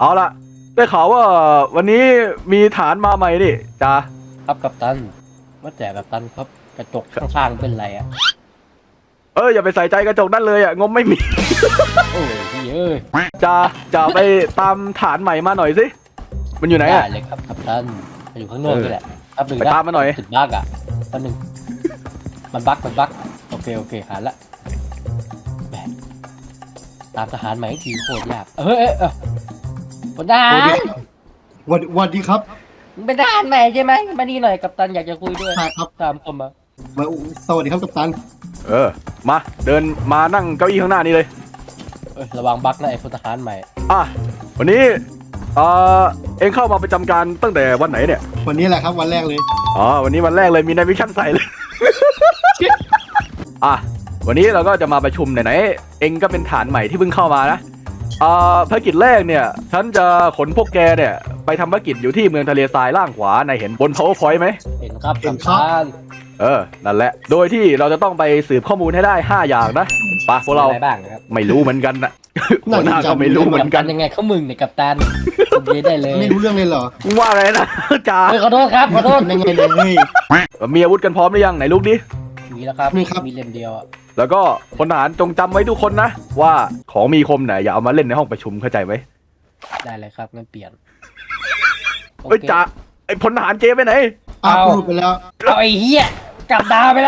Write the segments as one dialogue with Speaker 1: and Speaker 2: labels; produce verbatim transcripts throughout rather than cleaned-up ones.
Speaker 1: เอาละได้ข่าวว่าวันนี้มีฐานมาใหม่ดิจ้า
Speaker 2: ครับกัปตันว่าแต่กัปตันครับกระจกข้างๆเป็นไรอ่ะ
Speaker 1: เอออย่าไปใส่ใจกระจกนั่นเลยอ่ะงบไม่มี
Speaker 2: โอ้ยพี่เอ้ย
Speaker 1: จ้าจะไปตามฐานใหม่มาหน่อยสิมันอยู่ไหนอ่ะ
Speaker 2: ได้เลยครับกัปตันมันอยู่ข้างนอกนี่แหละครับหนึ่ง
Speaker 1: ไปตามมาหน่อย
Speaker 2: ติดบั๊กอ่ะแป๊บนึงมันบั๊กมันบั๊กโอเคโอเคหาละแหมตามทหารใหม่ทีโคตรยากเฮ้ยเอ้ยเอ้ยพลทหาร
Speaker 3: วันวันดีครับ
Speaker 2: เป็นทหารใหม่ใช่ไหมมานี่หน่อยกัปตันอยากจะคุยด้วย
Speaker 3: ใช่ครับ
Speaker 2: ตามผมมา
Speaker 3: มาสวัสดีครับกัปตัน
Speaker 1: เออมาเดินมานั่งเก้าอี้ข้างหน้านี่เลย
Speaker 2: เอ้ยระวังบั๊กนะไอ้พลทหารใหม่
Speaker 1: อ่ะวันนี้เออเอ็งเข้ามาประจำการตั้งแต่วันไหนเนี่ย
Speaker 3: วันนี้แหละครับวันแรกเลย
Speaker 1: อ๋อวันนี้วันแรกเลยมีนายวิชั่นใส่เลย อ่ะวันนี้เราก็จะมาประชุมไหนๆเอ็งก็เป็นฐานใหม่ที่เพิ่งเข้ามานะอ่าภารกิจแรกเนี่ยฉันจะขนพวกแกเนี่ยไปทำภารกิจอยู่ที่เมืองทะเลทรายล่างขวานายเห็นบน powerpoint ไหม
Speaker 2: เห็นครับ
Speaker 3: เห็
Speaker 2: กัป
Speaker 3: นครับ
Speaker 2: ตัน
Speaker 1: เออนั่นแหละโดยที่เราจะต้องไปสืบข้อมูลให้ได้ห้าอย่างนะไปะพวกเรา
Speaker 2: อะไรบ้างนะครับ
Speaker 1: ไม่รู้เหมือนกันนะ หัวหน้าก็ไม่รู้เหมือน
Speaker 2: กั
Speaker 1: กัน น
Speaker 2: ยังไงเขามึงเนี่ยกัปตันคุณดีได้เลย
Speaker 3: ไม่รู้เรื่องเลยเหรอ
Speaker 1: ว่าไงนะ จ่า
Speaker 2: เฮ้ยขอโทษครับขอโทษ
Speaker 3: เป็นยังไงเลย
Speaker 1: มีอาวุธกันพร้อมหรือยังไหนลูกดิ
Speaker 2: มีแล้วครับ
Speaker 3: มีครับ
Speaker 2: มีเล่มเดียวอ่ะ
Speaker 1: แล้วก็พลทหารจงจำไว้ทุกคนนะว่าของมีคมเนี่ยอย่าเอามาเล่นในห้องประชุมเข้าใจไหม
Speaker 2: ได้เลยครับงั้นเปลี่ยน
Speaker 1: เอ้ยจ่าไอ้พลทหารเจไปไหน
Speaker 3: อ้าวพูดไปแล้ว
Speaker 2: เอาไอ้เหี้ยกลับดาวไปแล้ว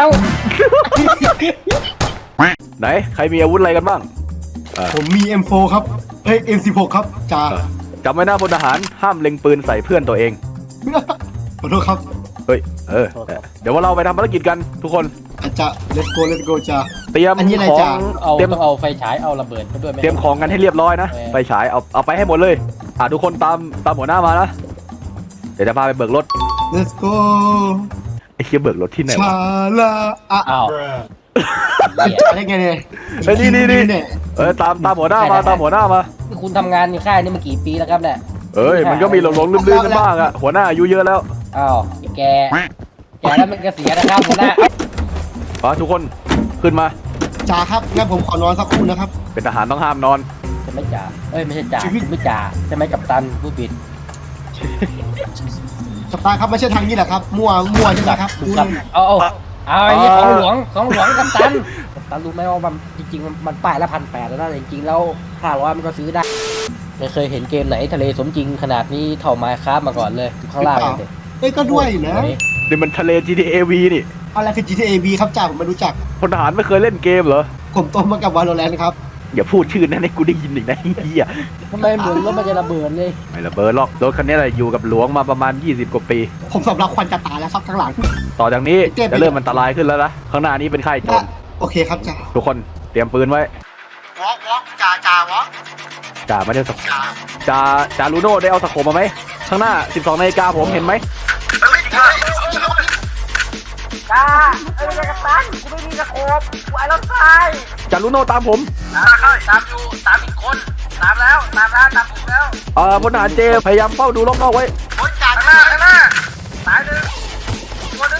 Speaker 1: ไหนใครมีอาวุธอะไรกันบ้าง
Speaker 3: ผมมี เอ็ม โฟร์ ครับเอ้ย เอ็ม สิบหก ครับจ่า
Speaker 1: จำไว้นะพลทหารห้ามเล็งปืนใส่เพื่อนตัวเอง
Speaker 3: ขอโทษครับ
Speaker 1: เฮ้ยเออเดี๋ยวว่าเราไปทำภารกิจกันทุกคน
Speaker 3: อาจจะ let's go let's go จ่า
Speaker 1: เตรียม
Speaker 3: อันนี้อะไร
Speaker 1: ของ
Speaker 3: จ๊ะ
Speaker 2: เอา
Speaker 1: เตรียม
Speaker 2: ต้องเอาไฟฉายเอาระเบิดมาด้วยไหม
Speaker 1: เตรียมของกันให้เรียบร้อยนะ
Speaker 2: เออ
Speaker 1: ไฟฉายเอาเอาไปให้หมดเลยอ่ะทุกคนตามตามหัวหน้ามานะเดี๋ยวจะพาไปเบิกรถ
Speaker 3: let's go
Speaker 1: ไอ้เคียเบิกรถที่ไหน
Speaker 3: ชาว ลาอ่ะ
Speaker 2: อ้าว
Speaker 3: จ่าได้ไงเนี่ย
Speaker 1: ไอ้ยนี่นี่นี่
Speaker 3: เนี่ย
Speaker 1: เออตามตามหัวหน้ามาตามหัวหน้ามา
Speaker 2: นี่คุณทำงานในค่ายนี่มากี่ปีแล้วครับเนี่ย
Speaker 1: เอ้ยมันก็มีหลงหลงลืมลืมกันบ้างอะหัวหน้าอายุเยอะแล้ว
Speaker 2: อ้าวไอ้แกแกแล้วมันก็เสียนะครับหัวหน้า
Speaker 1: อ่ะทุกคนขึ้นมา
Speaker 3: จ่าครับงั้นผมขอนอนสักครู่นะครับ
Speaker 1: เป็นทหารต้องห้ามนอน
Speaker 2: จะไม่จ่าเอ้ยไม่ใช่จ่า
Speaker 3: ชีวิต
Speaker 2: ไม่จ่าใช่ไหมกัปตันผู้ผิด
Speaker 3: กัปตันครับไม่ใช่ทางนี้แหละครับมั่วมั่วใช่ไหมครับ
Speaker 2: ถูกครับเอาเอาเอาไอ้นี่ของหลวงของหลวงกัปตันกัปตันรู้ไหมว่ามันจริงๆมันมันป้ายละพันแปดแล้วนะแต่จริงๆแล้วห้าร้อยมันก็ซื้อได้ไม่เคยเห็นเกมไหนทะเลสมจริงขนาดนี้เท่าไมค์คราฟมาก่อนเลยอยู่ข้างล่างเลย
Speaker 3: เอ้ยก็ด้วยนะ
Speaker 1: เดี๋ยวมันทะเล จี ที เอ วี นี่
Speaker 3: อะไรคือ จี ที เอ วี ครับจ่าผมไม่รู้จัก
Speaker 1: พลทหารไม่เคยเล่นเกมเหรอ
Speaker 3: ผมโตมากับ Valorant ครับ
Speaker 1: อย่าพูดชื่อนั้นให้กูได้ยินอีกนะเฮีย
Speaker 2: ทำไมเหมือนรถมันจะระเบิดเลย
Speaker 1: ไม่ระเบิดหรอกรถคันนี้แหละอยู่กับหลวงมาประมาณยี่สิบกว่าปี
Speaker 3: ผมสำลักควันจะตายแล้วครับข้างหลัง
Speaker 1: ต่อจากนี้
Speaker 3: เจ็บ
Speaker 1: จะเริ่มอันตรายขึ้นแล้วนะข้างหน้านี้เป็นค่ายโจร
Speaker 3: โอเคครับจ่า
Speaker 1: ทุกคนเตรียมปืนไว้
Speaker 3: วอกวอกจ่าจ่าวอก
Speaker 1: จ่าไม่ได้สก
Speaker 3: จ่า
Speaker 1: จ่าจ่าลูโน่ได้เอาสโคปมาไหมข้างหน้าสิบสองนาฬิกาผมเห็นไหม
Speaker 4: จ้าเอ้ยกัปตันกูไม่มีสโคปกูไอ้รถไฟ
Speaker 1: จ่าลูโน่ตามผม
Speaker 4: ตามตามอยู่ตามอีกคนตามแล้วตามแล้วตามผมแล้ว
Speaker 1: เอ่อพลทหารเจพยายามเฝ้าดูรอบนอกไว้
Speaker 4: โอ้ยจ่าข้างหน้าข้างหน้าตายหนึ่งตัวหนึ่ง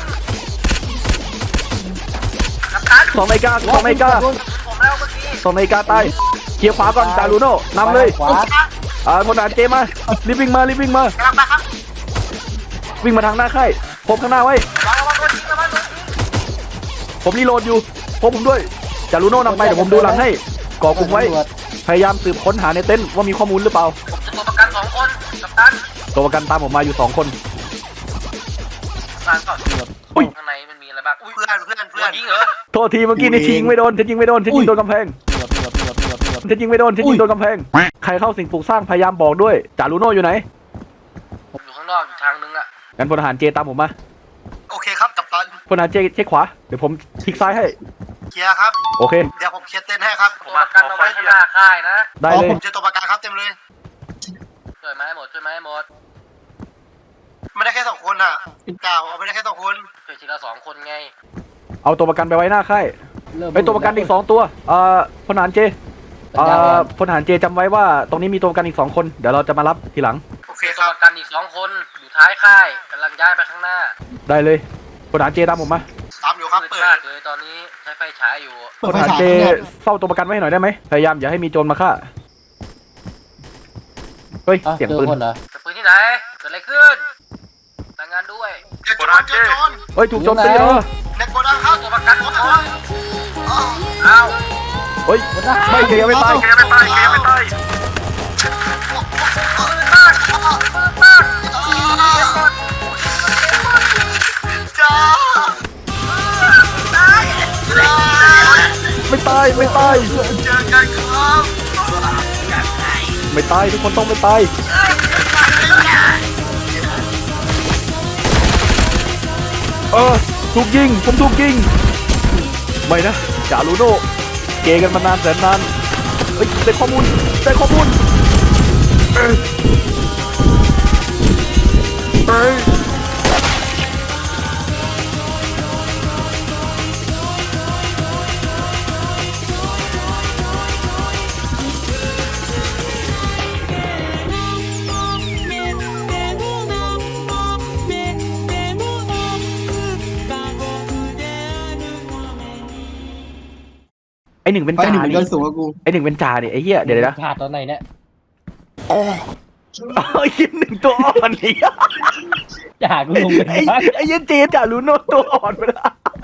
Speaker 4: กัปตัน
Speaker 1: สองนาฬิกาสองนาฬิกา
Speaker 4: ผมแล้วเมื่อกี้
Speaker 1: สองนาฬิกาตายเคลียร์ขวาก่อนจ่าลูโน่นำเลย
Speaker 2: ขวา
Speaker 1: อ่าพลทหารเจมารีบวิ่งมารีบวิ่งมาก
Speaker 4: ำลังมาครับ
Speaker 1: วิ่งมาทางหน้าค่ายพบข้างหน้าไว้
Speaker 4: ระวังระวังตัวจริงระวังตัวจริง
Speaker 1: ผมรีโหลดอยู่พบผมด้วยจ่าลูโน่นำไปเดี๋ยวผมดูหลังให้ก่อกลุ่มไว้ พยายามสืบค้นหาในเต็นท์ว่ามีข้อมูลหรือเปล่า
Speaker 4: ตัวประกันสองคนกัปตัน
Speaker 1: ตัวประกันตามผมมาอยู่สองคน
Speaker 4: ตามก่อน
Speaker 1: อุ้ย
Speaker 4: ข้างในมันมีอะไรบ้างอุ้ยเพื่อนเพื่อนเพื่อนยิงเหรอ
Speaker 1: โทษทีเมื่อกี้นี่ยิงไม่โดนฉันยิงไม่โดนฉันยิงโดนกำแพง
Speaker 2: เกือบเกือบเกือบเกือบเกือบ
Speaker 1: ฉันยิงไม่โดนฉันยิงโดนกำแพงใครเข้าสิ่งปลูกสร้างพยายามบอกด้วยจ่าลูโน่อยู่ไหน
Speaker 4: ผมอยู่ข้างนอกอยู่ทางนึงอะ
Speaker 1: งั้นพลทหารเจตามผมมา
Speaker 3: โอเคครับกัปตัน
Speaker 1: พลทหารเจเช็คขวาเดี๋ยวผมคลิกซ้ายให้
Speaker 3: เคลียร์ครับ
Speaker 1: โอเค
Speaker 3: เดี๋ยวผมเคลียร์เต้นให้ครับ
Speaker 4: ตัวประกันเอาไว้ข้างหน้าค่ายนะ
Speaker 1: ได้
Speaker 3: อ๋อ
Speaker 1: เลย
Speaker 3: ผมเจอตัวประกันครับเต็มเลย
Speaker 4: ช่วยไหมหมดช่วยไหมหมด
Speaker 3: ไม่ได้แค่สองคนอ่ะกล่าวเอาไม่ได้แค่สองคน
Speaker 4: ช่วยทีละสองคนไง
Speaker 1: เอาตัวประกันไปไว้หน้าค่าย
Speaker 2: เริ่ม
Speaker 1: ไอตัวประกันอีกสองตัวเอ่อพลทหารเจเอ่อพลทหารเจจำไว้ว่าตรงนี้มีตัวประกันอีกสองคนเดี๋ยวเราจะมารับทีหลัง
Speaker 3: โอเค
Speaker 4: มี
Speaker 3: ค
Speaker 4: ตัว
Speaker 3: รับ
Speaker 4: ประกันอีกสองคนอยู่ท้ายค่ายกำลังย้ายไปข้างหน้า
Speaker 1: ได้เลยพลทหารเจตามผมมา
Speaker 3: ตามอยู่ครับ
Speaker 4: มืด
Speaker 3: เปิด
Speaker 4: มากเลยตอนนี้ใช้ไฟฉายอยู่
Speaker 3: เปิ
Speaker 1: พ
Speaker 3: ด
Speaker 1: ล
Speaker 3: ไฟ
Speaker 1: ทหาร
Speaker 3: ฉาย
Speaker 1: เจ
Speaker 3: เนี่ย
Speaker 1: เฝ้าตัวประกันไว้ให้หน่อยได้ไหมพยายามอย่าให้มีโจรมาฆ่าเฮ้ย
Speaker 2: อ่ะ
Speaker 1: เสียง
Speaker 2: เจอ
Speaker 1: ปืน
Speaker 2: คนเหรอจะปืนที่ไหนเกิดอะไรขึ้นรายงานด้วย
Speaker 3: เจอโจรเจอโจร
Speaker 1: เฮ้ยถูกโจมตีแล้ว
Speaker 3: ในโกดังครับตัวประกันตัวประกันอ้าว
Speaker 1: เฮ้ยไม่เกย์ไม่ตาย
Speaker 3: เกมไม่ตายเกมไม่ตายจ้า
Speaker 1: ไม่ตายไม่ตาย
Speaker 3: เจอกันครับ
Speaker 1: ไม่ตายทุกคนต้องไม่ตายเออถูกยิงผมถูกยิงไม่นะจารูโน่เกย์กันมานานแสนนานเฮ้ยได้ข้อมูลได้ข้อมูลเอ้ยเอ้ยไอหนึ่งเป็น
Speaker 5: ไป
Speaker 1: จ่า
Speaker 5: หนึ่งมัน
Speaker 1: นี่
Speaker 5: ก็สูงกว่ากู
Speaker 1: ไอหนึ่งเป็นจ่านี่ไอเหี้ยเดี๋ยวนะ
Speaker 2: ขาดตอนไหนเนี่ย
Speaker 1: ไอ้ยินหนึ่งตัวอ่อนนี่
Speaker 2: จะหากูลงเป็น
Speaker 1: ไอ้
Speaker 2: บ้า
Speaker 1: ไอ้เหี้ยันเจนจ่ารูโน่ตัวอ่อนไปแล้ว